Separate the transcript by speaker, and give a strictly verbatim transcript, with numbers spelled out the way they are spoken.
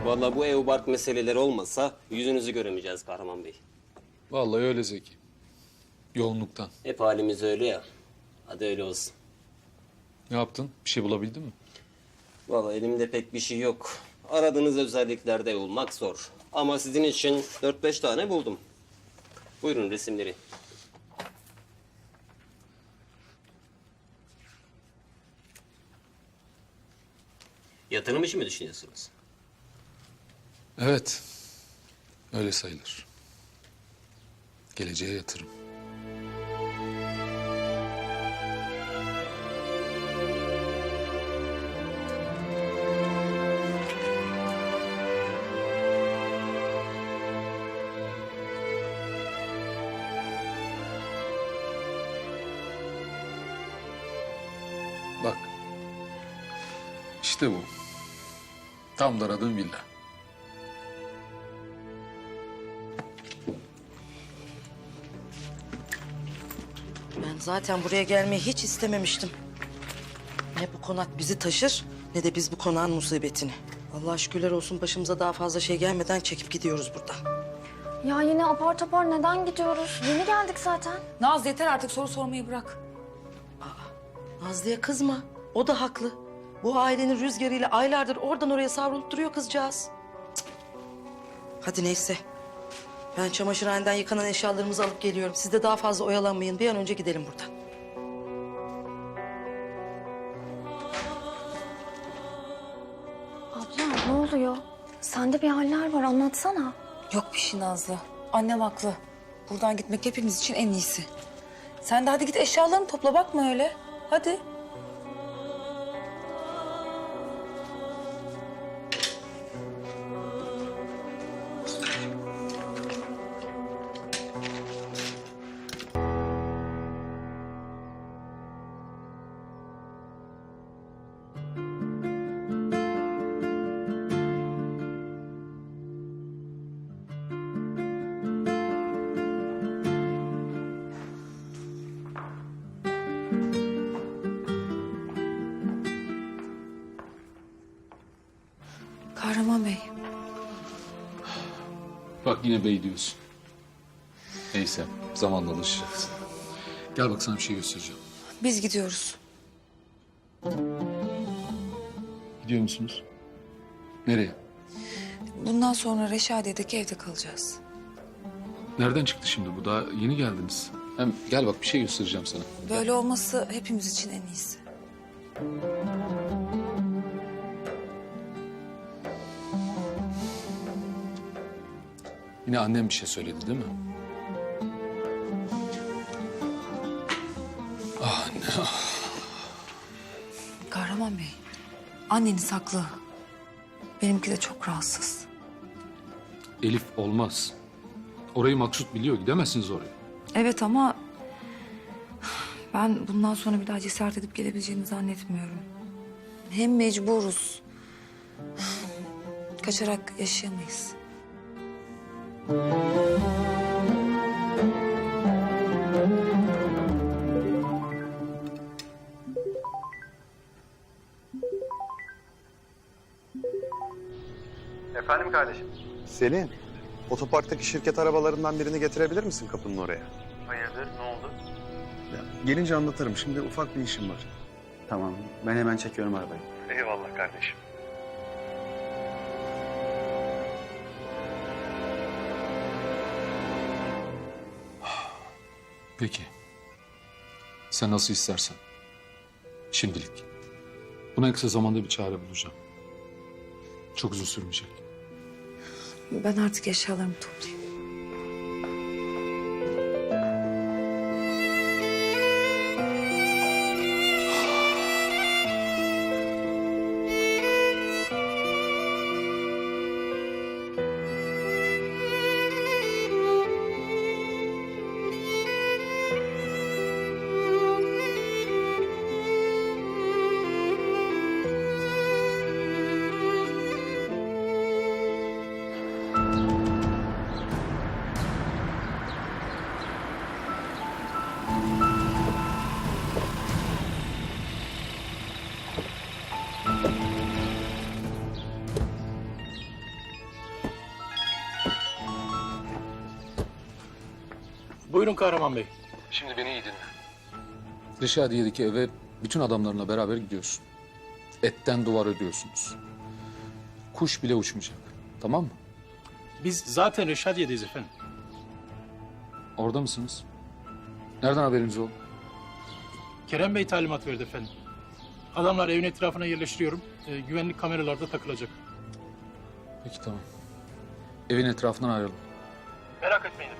Speaker 1: Vallahi bu ev bark meseleleri olmasa yüzünüzü göremeyeceğiz Kahraman Bey.
Speaker 2: Vallahi öyle Zeki. Yoğunluktan.
Speaker 1: Hep halimiz öyle ya. Hadi öyle olsun.
Speaker 2: Ne yaptın? Bir şey bulabildin mi?
Speaker 1: Vallahi elimde pek bir şey yok. Aradığınız özelliklerde olmak zor. Ama sizin için dört beş tane buldum. Buyurun resimleri. Yatırım işi mi düşünüyorsunuz?
Speaker 2: Evet. Öyle sayılır. Geleceğe yatırım. Bak. İşte bu. Tam da aradığım villa.
Speaker 3: Ben zaten buraya gelmeyi hiç istememiştim. Ne bu konak bizi taşır ne de biz bu konağın musibetini. Allah şükürler olsun başımıza daha fazla şey gelmeden çekip gidiyoruz buradan.
Speaker 4: Ya yine apar topar neden gidiyoruz? Yeni geldik zaten.
Speaker 5: Naz yeter artık, soru sormayı bırak.
Speaker 3: Nazlı'ya kızma. O da haklı. Bu ailenin rüzgarıyla aylardır oradan oraya savrulup duruyor kızcağız. Cık. Hadi neyse. Ben çamaşırhaneden yıkanan eşyalarımızı alıp geliyorum. Siz de daha fazla oyalanmayın. Bir an önce gidelim buradan.
Speaker 4: Abla ne oluyor? Sende bir haller var anlatsana.
Speaker 5: Yok bir şey Nazlı. Annem haklı. Buradan gitmek hepimiz için en iyisi. Sen de hadi git eşyalarını topla, bakma öyle. Hadi. Kahraman Bey.
Speaker 2: Bak yine bey diyorsun. Neyse zamanla alışacağız. Gel bak sana bir şey göstereceğim.
Speaker 5: Biz gidiyoruz.
Speaker 2: Gidiyor musunuz? Nereye?
Speaker 5: Bundan sonra Reşadiye'deki evde kalacağız.
Speaker 2: Nereden çıktı şimdi bu? Daha yeni geldiniz. Hem gel bak bir şey göstereceğim sana.
Speaker 5: Böyle olması hepimiz için en iyisi.
Speaker 2: Yine annem bir şey söyledi değil mi? Ah anne ah.
Speaker 5: Kahraman Bey, anneniz haklı. Benimki de çok rahatsız.
Speaker 2: Elif olmaz. Orayı Maksut biliyor. Gidemezsiniz oraya.
Speaker 5: Evet ama ben bundan sonra bir daha cesaret edip gelebileceğini zannetmiyorum. Hem mecburuz. Kaçarak yaşayamayız.
Speaker 6: Efendim kardeşim?
Speaker 7: Selin, otoparktaki şirket arabalarından birini getirebilir misin kapının oraya?
Speaker 6: Hayırdır, ne oldu?
Speaker 7: Ya, gelince anlatırım. Şimdi ufak bir işim var.
Speaker 6: Tamam, ben hemen çekiyorum arabayı.
Speaker 7: Eyvallah kardeşim.
Speaker 2: Peki. Sen nasıl istersen. Şimdilik. Buna en kısa zamanda bir çare bulacağım. Çok uzun sürmeyecek.
Speaker 5: Ben artık eşyalarımı toplayayım.
Speaker 8: Buyurun Kahraman Bey.
Speaker 2: Şimdi beni iyi dinle. Reşadiye'deki eve bütün adamlarına beraber gidiyorsun. Etten duvar ödüyorsunuz. Kuş bile uçmayacak. Tamam mı?
Speaker 8: Biz zaten Reşadiye'deyiz efendim.
Speaker 2: Orada mısınız? Nereden haberiniz oldu?
Speaker 8: Kerem Bey talimat verdi efendim. Adamlar evin etrafına yerleştiriyorum. Ee, güvenlik kameralarda takılacak.
Speaker 2: Peki tamam. Evin etrafından ayrılın.
Speaker 8: Merak etmeyin efendim.